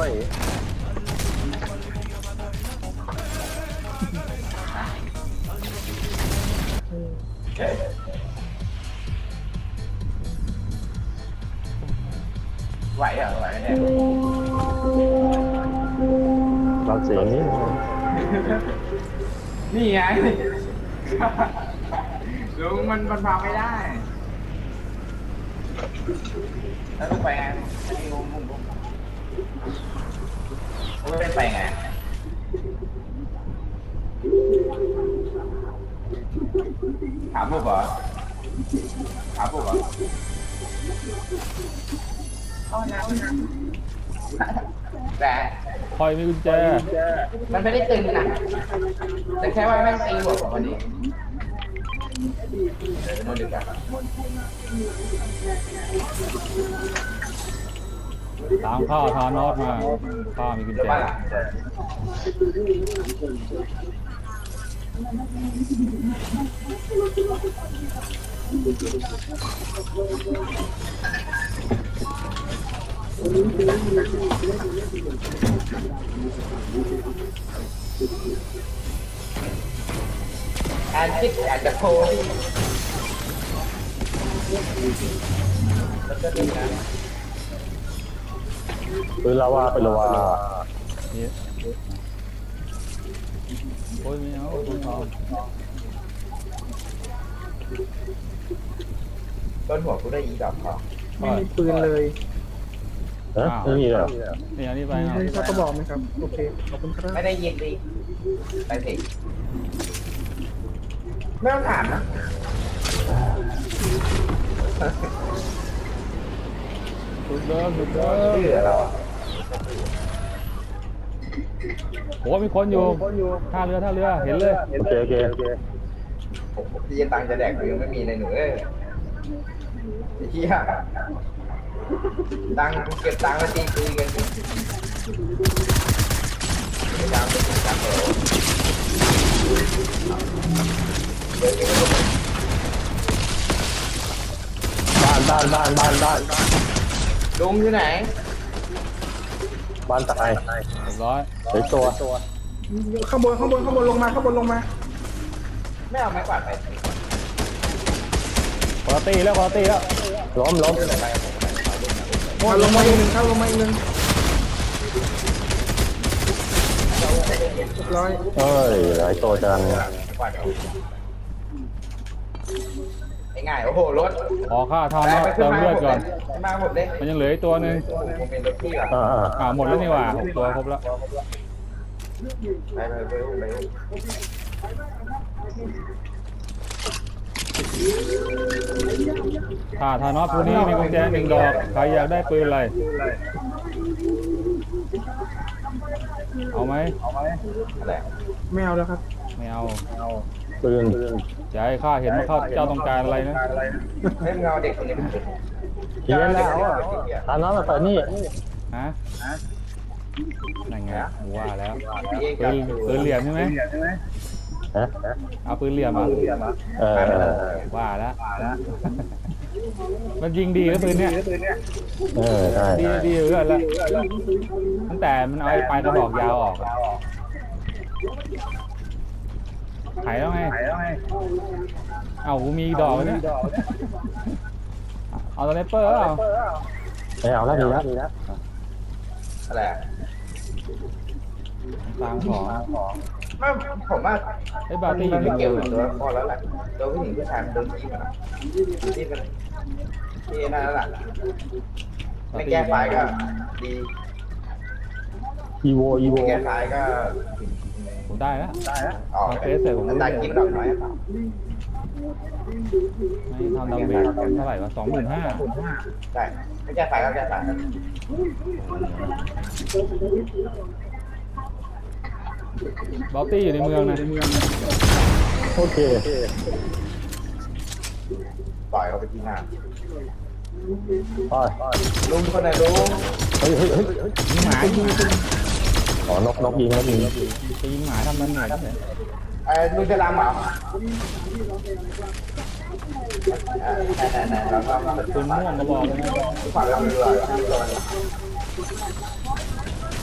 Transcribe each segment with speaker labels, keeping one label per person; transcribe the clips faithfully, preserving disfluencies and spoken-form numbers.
Speaker 1: ไหวเหรอไหวเนี่ย
Speaker 2: เราเสียงนี้
Speaker 1: นี่ไงลุงมันมันพาไม่ได้แล้วลุงไปไงไม่ลุงลุงลุงลุงไม่ไปไงถามพวกเหรอถามพวกเหรอแต่
Speaker 3: คอยมีกุญแจ
Speaker 1: มันไม่ได้ตึงนะแต่แค่ว่าแม่งตีหัวผมวันนี้เดี๋ยวมันดึกอะ
Speaker 3: ตามข้าทานอสมาข้ามีกุญ
Speaker 1: เดี๋ยว
Speaker 3: แจ
Speaker 1: บ้านหลังแอนติกแอนจะโพลี่แล้วก็ดีนะ
Speaker 2: ปืนลาวาเป็นลาวา
Speaker 3: นี่โอ้ยไม่เอาคุณทอง
Speaker 1: ต้นหัวกูได้อีดอกทอง
Speaker 4: ไม่มีปืนเลย
Speaker 2: ฮะไม่มีเหรอ
Speaker 3: นี่อันนี้ไป
Speaker 4: มี
Speaker 3: เอา
Speaker 4: ให้สักกระบอกไหมครับ โอเค ขอบคุณครับ
Speaker 1: ไม่ได้ยินดีไปสิไม่ต้องถามนะ
Speaker 3: สุดเดิมสุดเดิม
Speaker 1: ชื่อเรา
Speaker 3: โอ้มีคนอยู่ท่าเรือท่าเรือเห็นเลย
Speaker 2: โอเคโอเคโอเค
Speaker 1: พี่ตังจะแดกกูยังไม่มีเลยหนูเอ้ยไอ้เหี้ยตังเก็บตังค์มาตีคุยกันพยายามไปถึงตังค์เหรอเดี๋ยวเดี๋ยว
Speaker 2: บ้านบ้านบ้านบ้านบ้าน
Speaker 1: ลุงอยู่ไหน
Speaker 2: บ้านตาย
Speaker 3: เรียบร้อย
Speaker 2: เฮ้ยตัว
Speaker 4: ข้างบน ข้างบน ข้างบนลงมา ข้างบนลงมา
Speaker 1: ไม่เอาไม้กวาดไป
Speaker 3: คอตีแล้วคอตีแล้ว
Speaker 2: ล้มล้ม
Speaker 1: ไป
Speaker 4: มาลงมาอีกหนึ่งครับลงมาอีกหนึ่งเรียบร้อย
Speaker 2: เอ้ยหลายตัวจัง
Speaker 1: ไม้กวาดเอาง่ายๆโอ้โหรถ
Speaker 3: ขอข้าทานอสเติมเลือดก่อน
Speaker 1: มาหมดเลย
Speaker 3: มันยังเหลืออีกตัวหนึ่ง
Speaker 1: ผมเป็นรถพี่อ่ะ
Speaker 2: อ่าอ่า
Speaker 3: อ่าหมดแล้วนี่หว่าหกตัวครบแล้ว
Speaker 1: ไปไปไปไป
Speaker 3: ข้าทานอสผู้นี้มีกุญแจหนึ่งดอกใครอยากได้ปืนอะไรเอาไหม
Speaker 1: อะไร
Speaker 4: ไม่เอาแล้วครับ
Speaker 3: ไม่เอา
Speaker 2: ปืน
Speaker 3: จะให้ข้าเห็นว่าข้าเจ้าต้องการอะไรนะ
Speaker 1: เฮ้ยมึงเอาเด็กคนนี้มา
Speaker 2: เฮียแล้วอ่ะทานน้ำมาใส่นี่
Speaker 3: ฮะนั่นไงว่าแล้ว
Speaker 1: พี่เอง
Speaker 3: ปืนปืนเหลี่ยมใช่ไหม
Speaker 2: ฮะ
Speaker 3: เอาปืนเหลี่ยมอ่ะ
Speaker 2: เออเออ
Speaker 3: ว่าแล้วมันยิงดีแล้วปืนเนี้ย
Speaker 2: เออใช่
Speaker 3: ดีดีเรื่อยแล้วตั้งแต่มันเอาไอ้ปลายกระบอกยาวออกอะหายแล้วไงเอ้ากูมีดอกเนี่ยเอาตัวเนปเปอร์เอา
Speaker 2: ไม่เอาแล้วดีแล้วดีแล้ว
Speaker 1: อะไร
Speaker 3: ตามของ
Speaker 1: ไม่ผมว่า
Speaker 3: ไอ้บาร์ตี้อยู่ใน
Speaker 1: ไม่
Speaker 3: เก
Speaker 1: เกี่ยว
Speaker 3: ม
Speaker 1: กับตัวพอแล้วแหละตัวผู้หญิงผู้ชายโดนที่มันที่มันที่นั่นแหละไม่แก้ไฟก็ดี
Speaker 2: อีโวอีโว
Speaker 1: ไม่แก้ไฟก็
Speaker 3: ผมได้แล้ว
Speaker 1: ได้แล้วออก
Speaker 3: เอาเฟซเสร็จผม
Speaker 1: มันได้กินดอกน้อยเปล่า
Speaker 3: ไม่ทำดาเมจเท่าไหร่วะสองหมื่นห้า
Speaker 1: ได้ไม่แก้ไฟก็แก้ไฟ
Speaker 3: บาร์ตี้อยู่ในเมืองนะ
Speaker 2: โอเค
Speaker 1: ปล่อยเขาไปที่หน้า
Speaker 2: ไป
Speaker 1: ลุงคนไหนลุง
Speaker 2: เฮ้ยเฮ้ยเฮ้ย
Speaker 3: ยิงหมายิง
Speaker 2: อ๋อนกนกยิงนกยิง
Speaker 3: จะยิงหมาทำมันเหนื่อยที่ไหน
Speaker 1: ไอ้ลุงจะรำเหรอไหนๆๆเราต้อง
Speaker 3: ปืนม่วงกระบอกเลยนะ
Speaker 1: ฝากเราเรือ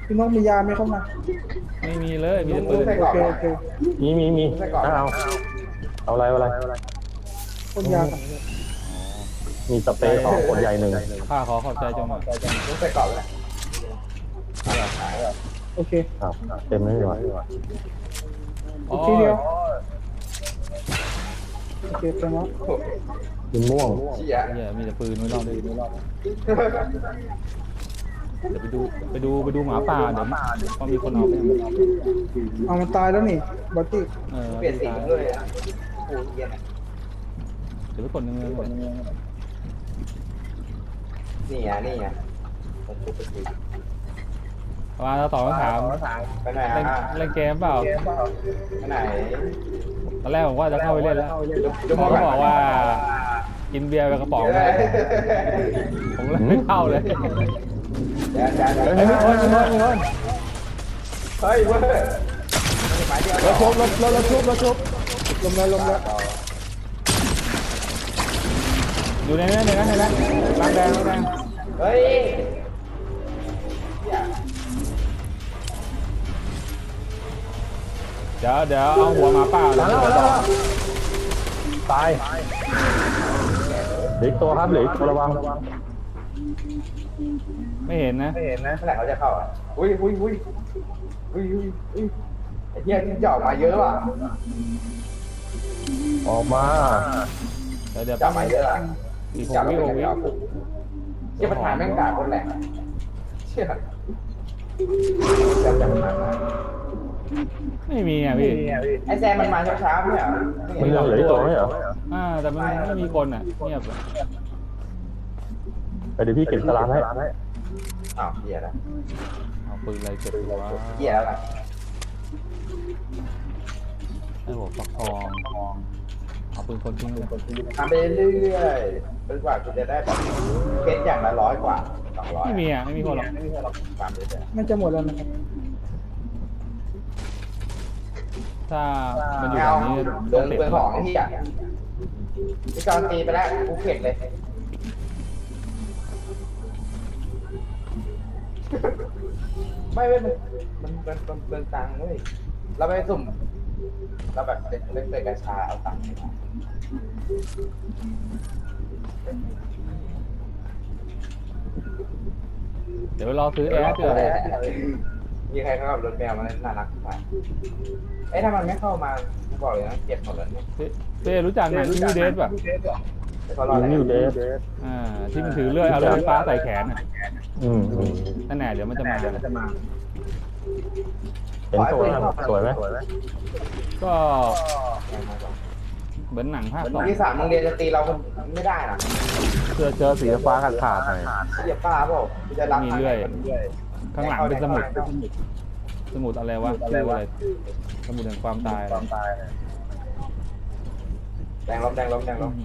Speaker 4: พี่น้องมียาไหมเข้ามา
Speaker 3: ไม่มีเลยมีแต่ปืน
Speaker 4: โอเคโอเค
Speaker 2: มีมีมีเอาเอาอะไรเอาอะไร
Speaker 4: พ่นยาก่อน
Speaker 2: มีสเปรย์ของขวดใหญ่หนึ่ง
Speaker 3: ข้าขอขอบใจจงหน่อย
Speaker 1: ลุกใส่กรอบเลย
Speaker 4: โอเค
Speaker 2: ครับเต็มเลยว่ะ
Speaker 3: อ๋อ
Speaker 4: ทีเดียวโอเคเต็มแล้ว
Speaker 2: กินม่วง
Speaker 1: เชี่ย
Speaker 3: เหี้ยมีแต่ปืนไม่รอดเลยเดี๋ยวไปดูไปดูไปดูหมาป่าเดี๋ยวพอมีคนเอาไป
Speaker 4: เอามันตายแล้วนี่บอตตี้
Speaker 3: เออ
Speaker 1: เปลี่ยนสีด้วยอ่ะโอ้ยเย็นอ่ะ
Speaker 3: เดี๋ยวไปกดเงินเลย
Speaker 1: นี่อ่ะนี่อ่ะผมพูดไปสิ
Speaker 3: มาเราตอบคำถาม
Speaker 1: ไปไหน
Speaker 3: เล่น
Speaker 1: อ่ะ
Speaker 3: เล่นเกมเปล่า
Speaker 1: ไปไหน
Speaker 3: ตอนแรกผมว่าจะเข้าไปเล่นแล้ว
Speaker 1: จะ
Speaker 3: หมอก็บอกว่า กินเบียร์ไปกระป๋องเลยผมเลยไม่เข้าเลย
Speaker 1: เดี๋ยวเดี๋ยวเดี๋ยว
Speaker 3: เฮ้ยมีคนมีคนมีคน
Speaker 1: เฮ้ยเว้ยหมายเดียว
Speaker 3: รถชุบรถรถรถชุบรถชุบ
Speaker 4: ลมแล้วลมแล้ว
Speaker 3: อยู่ในนั้นในนั้นในนั้นร้านแดงร้านแดง
Speaker 1: เฮ้ย
Speaker 3: เดี๋ยวเดี๋ยวเอาหัวหมาป่า
Speaker 2: มาแล้วมาแล้วตายเหลืออีกตัวครับเหลืออีกตัวระวัง
Speaker 3: ไม่เห็นนะ
Speaker 1: ไม่เห็นนะเมื่อไหร่เขาจะเข้าอ่ะอุ้ยอุ้ยอุ้ยอุ้ยอุ้ยอุ้ยไอ้เหี้ยที่จะออกมาเยอะว่ะ
Speaker 2: ออกมา
Speaker 3: เดี๋ยวเดี๋ยว
Speaker 1: จับมาเยอะอ่ะ
Speaker 3: อีกห
Speaker 1: จับ
Speaker 3: ก
Speaker 1: ไม่
Speaker 3: วิห
Speaker 1: ได้
Speaker 3: กวิ
Speaker 1: เอาเชี่ยประธานแม่งด่าคนแหลกเชี่ยจับจับมา
Speaker 3: ไม่มีอ่ะพี่
Speaker 1: ไอ้แซมมันมาเช้าๆไม่เหรอ
Speaker 2: มันยังเหลืออีกตัวไหมเหรอ
Speaker 3: อ่าแต่มันไม่มีคนอ่ะเงียบ
Speaker 2: ไปเดี๋ยวพี่เก็บสลามให้
Speaker 1: อ้าวเหี้ยแล้ว
Speaker 3: เอาปืนอะไรเก็บตัว
Speaker 1: เหี้ยแล้วล่ะ
Speaker 3: ไอ้หัวฟักทองเอาปืนคนทิ้งเลย
Speaker 1: ทำไปเรื่อยๆจนกว่าคุณจะได้แบบเพชรอย่างละร้อยกว่าสองร้อย
Speaker 3: ไม่มีอ่ะไม่มีคนหรอก
Speaker 1: ไม่มีคนหรอกตามเรื่อย
Speaker 4: น่าจะหมดแล้วนะครับ
Speaker 3: ถ้ามัน
Speaker 1: ๆ
Speaker 3: อยู่
Speaker 1: เอา
Speaker 3: แบบนี้
Speaker 1: เดิ
Speaker 3: ต้อง
Speaker 1: น
Speaker 3: เตะ
Speaker 1: เปลืองของที่อ่ะพี่จอนตีไปแล้วกูเข็ดเลย ไม่เว้ยมันมันมันมันเปลืองตังค์เว้ยเราไปสุ่มเราแบบเล่นเล่นเตะกัญชาเอาตังค์มา
Speaker 3: เดี๋ยวรอซื้อแอร์เถอะ
Speaker 1: มีใครเข้ากับรถแมวมาน่ารักไปเอ้ยถ้ามันไม่เข้ามาบอกเลยนะเก็บหมดเลยเนี่ย
Speaker 3: เต้รู้จักหนังที่มีเดสป่ะ
Speaker 1: แต่เขารออะไร
Speaker 2: นิวเดส
Speaker 3: อ่าที่มันถือเลื่อยเอาเลื่อยไฟฟ้าใส่แขนอ่ะ
Speaker 2: อืมอืม
Speaker 3: นั่นแหละเดี๋ยวมันจะมา
Speaker 2: เห็นสวยไหมสวยไหม
Speaker 3: ก็เหมือนหนังภาคสอง
Speaker 1: ที่สามโรงเรียนจะตีเราไม่ได้นะ
Speaker 3: เสื้อเชิ้ตสีฟ้าขาดขาดๆหน่อย
Speaker 1: เสียป้าเปล่าจะรับ
Speaker 3: มีเลื่อย ข้างหลังเป็นสมุดสมุดอะไรวะชื่ออะไรสมุดแห่งความตายอะไร
Speaker 1: แดงลบแดงลบแดงลบ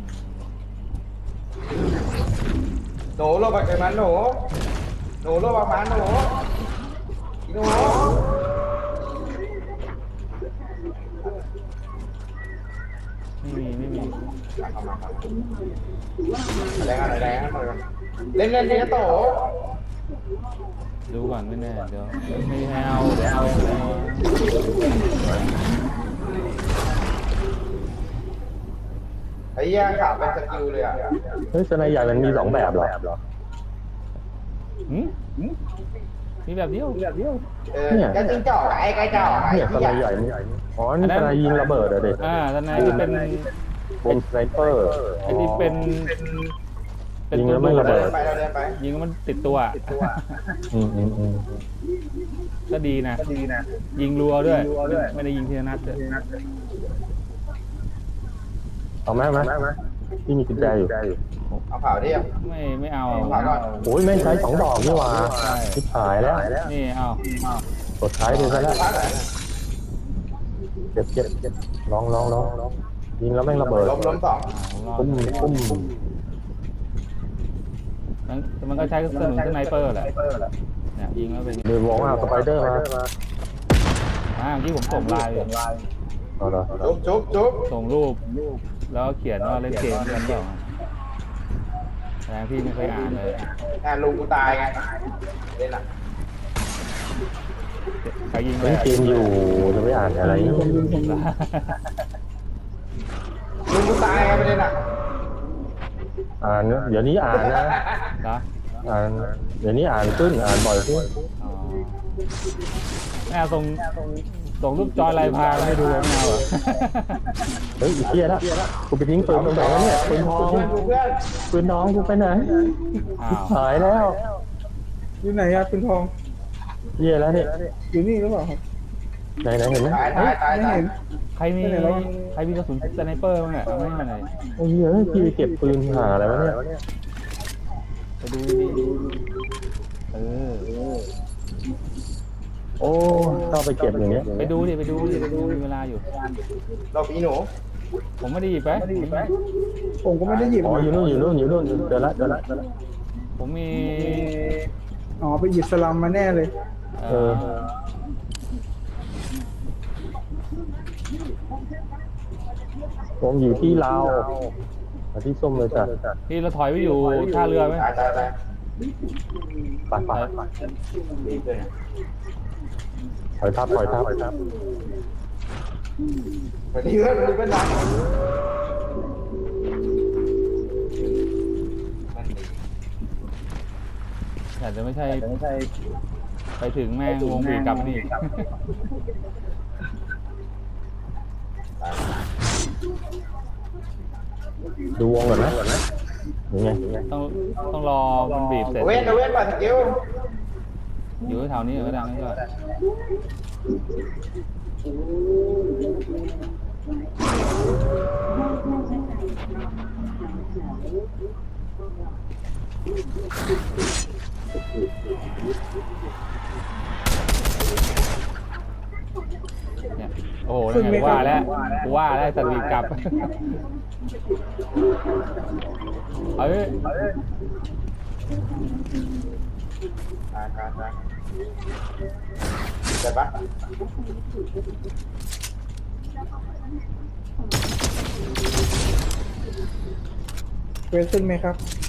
Speaker 1: หนูโลบักเกิดมันหนูหนูโลบักมันหนูหนู
Speaker 3: ไม่มีไม่มี
Speaker 1: แดงอะไรแดงอะไรเล่นเล่นเล่นโต
Speaker 3: ดูก่อนไม่แน่เดี๋ยวไม่ให้เอาเดี๋ยวเอาเอา
Speaker 1: ไอ้เหี้ยขาเป็นสกิลเลยอ่ะ
Speaker 2: เฮ้ยสไนใหญ่มันมีสองแบบเหรอ
Speaker 3: หืมมีแบบเดียวแบบเดียว
Speaker 1: เออก็จิ้งจอกไอ้ไก่จอกไอ้
Speaker 2: เนี่ยส
Speaker 1: ที่
Speaker 2: ไน
Speaker 1: ให
Speaker 2: ให
Speaker 1: ญ่
Speaker 2: ญ่นี่อ๋อนี่สไนยิงระเบิดเหรอเด็ก
Speaker 3: อ่าตอนนั้นที่เป็น
Speaker 2: บนสไนเปอร์
Speaker 3: ไอ้ที่เป็นเป็น
Speaker 2: ยิง
Speaker 3: ตั
Speaker 2: แล้ว วไม่
Speaker 3: ดู
Speaker 2: ระ
Speaker 3: ด
Speaker 2: เบิ
Speaker 1: เดิ
Speaker 2: ด
Speaker 1: นไปเราเดินไป
Speaker 3: ยิงแล้วมันติดตัวอะ
Speaker 2: อืมอืมอืม
Speaker 3: ก็ดีนะยิงรัวด้วยไม่ได้ยิงทีละนัดด้วย
Speaker 2: เอาไหมไหมที่มีกุญแจอยู่
Speaker 1: เอาเผาดิ
Speaker 3: ไม่ไม่เอา
Speaker 1: เอาเผาก่อน
Speaker 2: โอ้ยแม่งใช้สองดอกนี่หว่าชิบหายแล้ว
Speaker 3: นี่เอา
Speaker 2: กดใช้ไปซะแล้ว
Speaker 1: พักไหน
Speaker 2: เจ็บเจ็บเจ็บลองลองลองยิงแล้วแม่งระเบิด
Speaker 1: ล้มล้มสอง
Speaker 3: ผม
Speaker 2: ปุ้มปุ้ม
Speaker 3: มันมันก็ใช้กระสุนสไนเปอร์แหละเนี่ยยิงแล้วเป็น
Speaker 2: เดี๋ยวบอกว่าสไปเดอร์มา
Speaker 3: อ่าเมื่อกี้ผมส่งไลน์
Speaker 2: เอาเหรอ
Speaker 1: จุ๊บจุ๊บจุ๊บ
Speaker 3: ส่งรูปแล้วเขียนว่าเล่นเกมกันเปล่าแต่พี่ไม่เคยอ่านเลย
Speaker 1: งานลุงกูตายไงเล่นอ่ะ
Speaker 3: ใครยิงเล
Speaker 2: เล่
Speaker 3: ย
Speaker 2: นเกมอยู่จะไม่อ่านอะไร
Speaker 4: ผมยิงผมยิง
Speaker 1: ลุงกูตายไงประเด็นอ่ะ
Speaker 2: อ่านเดี๋ยวนี้อ่านนะ
Speaker 3: นะ
Speaker 2: อ่านเดี๋ยวนี้อ่านขึ้นอ่านบ่อยขึ้น
Speaker 3: อ๋อแม่ส่งส่งรูปจอยลายพรางให้ดูไม่เอาเหรอ
Speaker 2: เฮ้ยอีเทียละกูไปทิ้งปืนตรงไหนวะเนี่ยปืนทอง
Speaker 1: เพื่อนกูเพื่อน
Speaker 2: ปืนน้องกูไปไหน
Speaker 3: อ้าว
Speaker 2: หายแล้ว
Speaker 4: อยู่ไหนอะคุณทอง
Speaker 2: เทียแล้วเนี่ย
Speaker 4: อยู่นี่หรือเปล่าครับ
Speaker 2: ไหนไหนเห็นไหม
Speaker 1: ตายตายตาย
Speaker 4: ไม่
Speaker 1: ตาย
Speaker 4: เห็น
Speaker 3: ใครมีใครมีกระสุนสไนเปอร์บ้างเนี่ยเอาให้มาหน่อย
Speaker 2: โอ้ยเฮ้ยพี่ไปเก็บปืนหาอะไรวะเนี่ย
Speaker 3: ไปดูดิเออ
Speaker 2: โอ้เข้าไปเก็บอย่างเงี้ย
Speaker 3: ไปดูดิไปดูดิไปดูมีเวลาอยู่
Speaker 1: เราปีหนู
Speaker 3: ผมไม่ได้หยิบไป
Speaker 4: ผมก็ไม่ได้หยิบ
Speaker 2: อ๋ออยู่นู่นอยู่นู่นอยู่นู่นเดี๋ยวละเดี๋ยวละเดี๋ยวละ
Speaker 3: ผมมี
Speaker 4: อ๋อไปหยิบสลัมมาแน่เลย
Speaker 3: เออ
Speaker 2: ผมอยู่ที่ลาวมาที่ส้มเลยจ้ะ
Speaker 3: ที่เราถอยไปอยู่ท่าเรือไหม
Speaker 1: ตายตายตาย
Speaker 2: ปัดปัด
Speaker 1: รีบเลย
Speaker 2: ถอยทับถอยทับ
Speaker 1: วันนี้เพื่อนวันนี้เพื่อนดังมันดี
Speaker 3: แต่จะไม่ใช่ไปถึงแม่งวงบีกลับมานี่
Speaker 2: ดูวงก่อนนะยังไง
Speaker 3: ต้องต้องรอมันบีบเสร็จ
Speaker 1: เว้นเว้นป่ะสกิล
Speaker 3: อยู่แถวนี้ก็ดังนั่นก็ เนี่ยโอ้โหนั่นไงว่าแล้วกูว่าแล้วสัตว์บีบกลับ เอ้ย
Speaker 1: ตายตายตายเจ็บปะ
Speaker 4: เวสขึ้นไหมครับ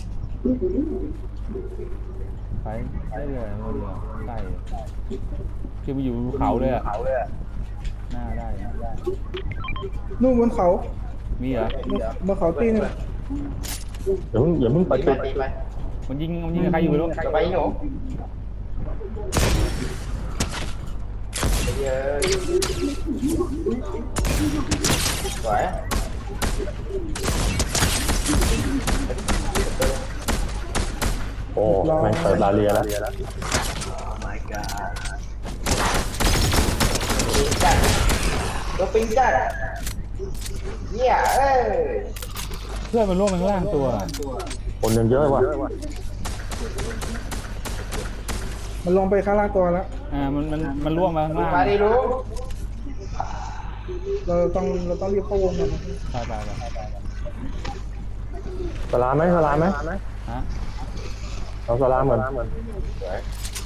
Speaker 3: ไปได้เลยมาเรือใช่คือมาอยู่เขาเลยอ่ะหน้าได้นะ
Speaker 4: นู่นบนเขา
Speaker 3: มีเหรอบ
Speaker 4: นเขาตีนึง
Speaker 2: อย่าเพิ่งอย่าเพิ่งไป
Speaker 1: ตีไป
Speaker 2: จุด
Speaker 1: ตีไป
Speaker 3: มันยิงมันยิงกับใครอยู่ไม่รู้
Speaker 1: จะไปหนูเยอะสวย
Speaker 2: โอ้แม่งเปิดลาเรียแล้ว
Speaker 1: my god ปิงจัดตัวปิงจัดเหี้ยเอ้ย
Speaker 3: เพื่อนมันล่วงไปข้างล่างตัว
Speaker 2: คนยังเยอะว่ะ
Speaker 4: มันลงไปข้างล่างตัวแล้ว
Speaker 3: อ่ามันมันมันล่วงมาข้างล่าง
Speaker 1: มาดิลุง
Speaker 4: เราต้องเราต้องรีบเข้าวงกันนะ
Speaker 3: ไปไปไป
Speaker 2: สลามไหมสลามไหม
Speaker 3: ฮะ
Speaker 2: เอาสลามเหมือน
Speaker 1: สวย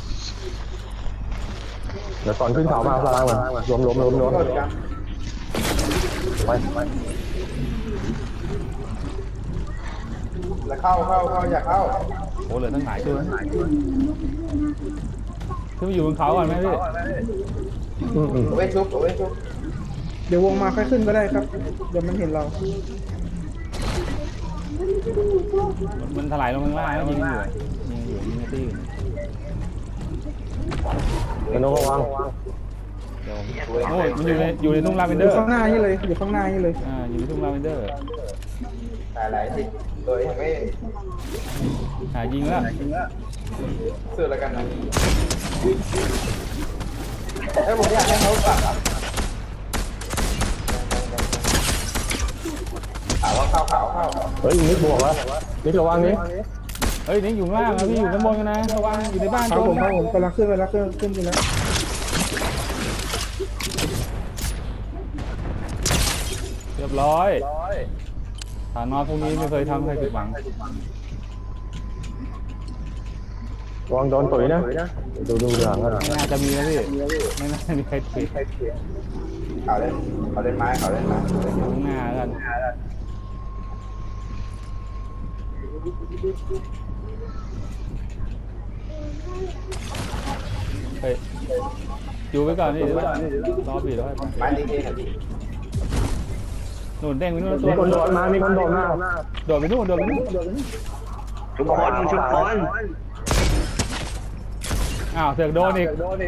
Speaker 2: เดี๋ยวก่อนขึ้นเขามาเอาสลามเหมือนรวมรวมรวมรวม
Speaker 1: โดดกัน
Speaker 2: ไปไป
Speaker 1: แล้วเข้าเข้าเข้าอยากเข้า
Speaker 3: โอ้เหลือตั้งหลายตัวขึ้นไปอยู่บนเขาก่อนไหมพี่
Speaker 2: อืมอืม
Speaker 1: เอาไว้ชุบเอาไว้ชุบ
Speaker 4: เดี๋ยววงมาค่อยขึ้นก็ได้ครับ เดี๋ยวมันเห็นเรา
Speaker 3: มันถลายลงข้างล่างแล้วยิงอยู่ยิงอยู่ยิงในที่
Speaker 2: เป็นนกระวัง
Speaker 3: เดี๋ยวโอ้ยมันอยู่ในอยู่ในทุ่งลาเวน
Speaker 4: อ
Speaker 3: เดอยู่ ร์
Speaker 4: ข้างหน้านี่เลย อยู่ข้างหน้านี่เลย
Speaker 3: อ่าอยู่ในทุ่งลาเวนเดอร์
Speaker 1: ตายหลายสิโดยไม่
Speaker 3: หายิงแล้ว
Speaker 1: ซื้อแล้วกันนะเอ้ยผมอยากให้เขากลับอ่ะถามว่าเข้าเขาเข้า
Speaker 2: เฮ้ยนิดบวกวะนิดระวังนิด
Speaker 3: เฮ้ยนี่อยู่ข้างล่างนะพี่อยู่ข้างบนกันนะระวังอยู่ในบ้าน
Speaker 4: ครับ
Speaker 3: โจ
Speaker 4: ผม
Speaker 3: ม
Speaker 4: ครับผมกำลังขึ้นไปแล้วขึ้นขึ้นไปแล้ว
Speaker 3: เรียบร้อยฐานนอนพวกนี้ไม่เคยทำให้ผิดหวัง
Speaker 2: ระวังโดนตุ๋ยนะดูดูหลังกัน
Speaker 3: ไม่น่าจะมีนะพี่ไม่น่าจะมีใครผิด
Speaker 1: เขาเล่นเขาเล่นไม้เขาเล่นไม้
Speaker 3: อยู่ข้างหน้ากันเฮ้ยอยู่ไว้ก่อนนี่เดี๋ยวรอบีแล้ว
Speaker 1: ไม้ลิงเองอ่ะพี่
Speaker 3: หนุนเด้งไปนู่นตั
Speaker 2: มี
Speaker 3: ว
Speaker 2: คนโดดมามีคนโดดมา
Speaker 3: โดดไปนู่นโดดไปนู่น
Speaker 5: ชุมพลชุมพล
Speaker 3: อ้าวเสือกโดนอีก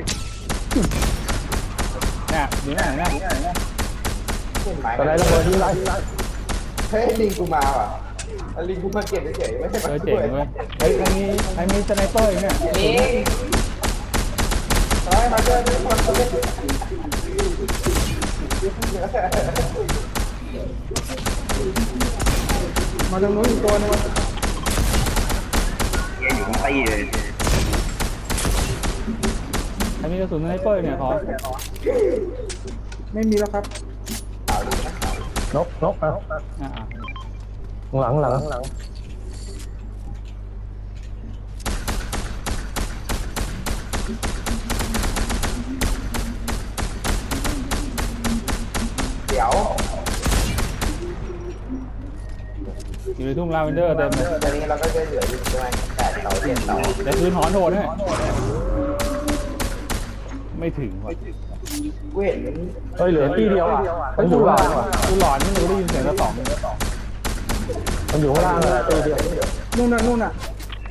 Speaker 3: เนี่ยอยู่ไหนนะ
Speaker 1: ไม้
Speaker 2: อะไรระเบิดยิงไร
Speaker 1: เฮ้ยลิงกูมาว่ะลิงกูมาเก็บเฉยๆไม่ใช่
Speaker 3: เอ
Speaker 1: มา
Speaker 3: อ
Speaker 1: ช่
Speaker 3: เจ๋ง
Speaker 1: วย
Speaker 3: เว้ยไอ้ใครมีใครมีสไนเปอร์อีกเนี่ย
Speaker 1: ลิงเฮ้ยมาเจอทุกคนเลย
Speaker 4: มาตรงนู้นอีกตัวหนึง
Speaker 5: เฮียอยู่ทั้งตีเลย
Speaker 3: ใครมีกระสุนสไนเปอร์เนี่ยขอ
Speaker 4: ไม่มีแล้วครับ
Speaker 2: นกนกอ่ะ
Speaker 3: อ่า
Speaker 2: หลังหลังหลัง
Speaker 1: เดี๋ยว
Speaker 3: อยู่ในทุ่งลาเวนเดอร์เต็มเลย
Speaker 1: ตอนนี้เราก็จะเหลืออยู่ประมาณแปดเสาเจ็ดเสา
Speaker 3: แต่คืนหอนโหดเนี่ยไม่ถึงว่ะ
Speaker 1: กูเห็น
Speaker 2: เฮ้ยเหลือที่เดียวอ่ะมันอยู่
Speaker 3: กูหล
Speaker 2: ข้าง
Speaker 3: อน
Speaker 2: ล่างอ่ะ
Speaker 3: กูหลอนไม่รู้ได้ยินเสียงกระสอง
Speaker 2: มันอยู่ข้างล่างเลยตีเดียว
Speaker 4: นู่นน่ะนู่นน่ะ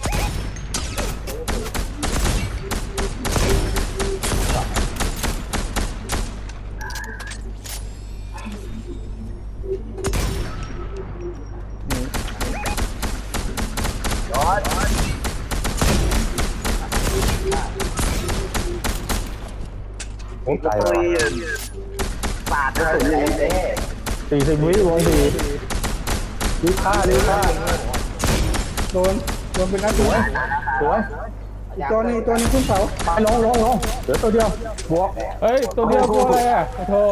Speaker 2: โอ้ไก่
Speaker 5: เฮ้ยปาดกระสุนเลย
Speaker 1: เจ๊
Speaker 2: สี่สิบวิวงสี่ดิวฆ่าดิวฆ่า
Speaker 4: โดนโดนเป็นนัดตัว
Speaker 2: สวย
Speaker 4: อีกตัวหนึงอีกตัวหนึงขึ้นเสา
Speaker 2: ไปลงลงลงเหลือตัวเดียวบวก
Speaker 3: เฮ้ยตัวเดียวตัวอะไรอ่ะโอ้โธ่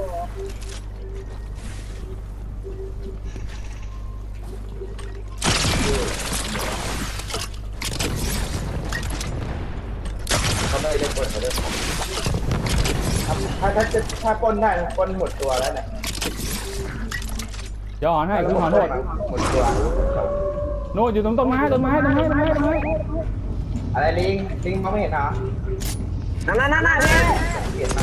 Speaker 1: เขาไม่ได้ปล้นเขาด้วยถ้าถ้าจะถ้าปล้นได้ปล้นหมดตัวแล้วเนี่ย
Speaker 3: เดี๋ยวหอนให้คืนหอนโหด
Speaker 1: หมดตัว
Speaker 3: โน่นอยู่ตรงต้นไม้ต้นไม้ต้นไม้ต้นไม้ต้นไม้
Speaker 1: อะไรลิงลิงมองไม่เห็นเหรอ
Speaker 5: นั่นนั่นนั่นนั่น
Speaker 1: เห็นไหม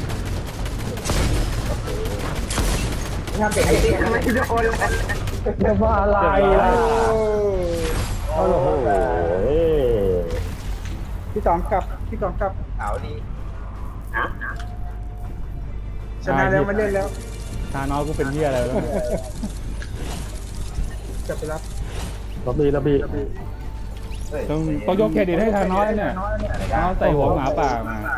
Speaker 1: นี่ทำเก่งจริง
Speaker 5: ทำไมทุกคน
Speaker 2: เรียกว่าอะไรล่ะ
Speaker 4: โอ้
Speaker 2: โอ้โห
Speaker 4: พี่ต๋องกลับพี่ต๋องกลับ
Speaker 1: เอาดี
Speaker 4: ชนะแล้วไม่เล่นแล้ว
Speaker 3: ทาน้อยกูเป็นเหี้ยอะไรวะเนี่ย
Speaker 4: กลับไปรับ
Speaker 2: ระบีระบี
Speaker 1: เฮ้ย
Speaker 3: ต้องต้องยกเครดิตให้ทาน้อยเนี่ยทาน้อยใส่หัวหมาป่ามา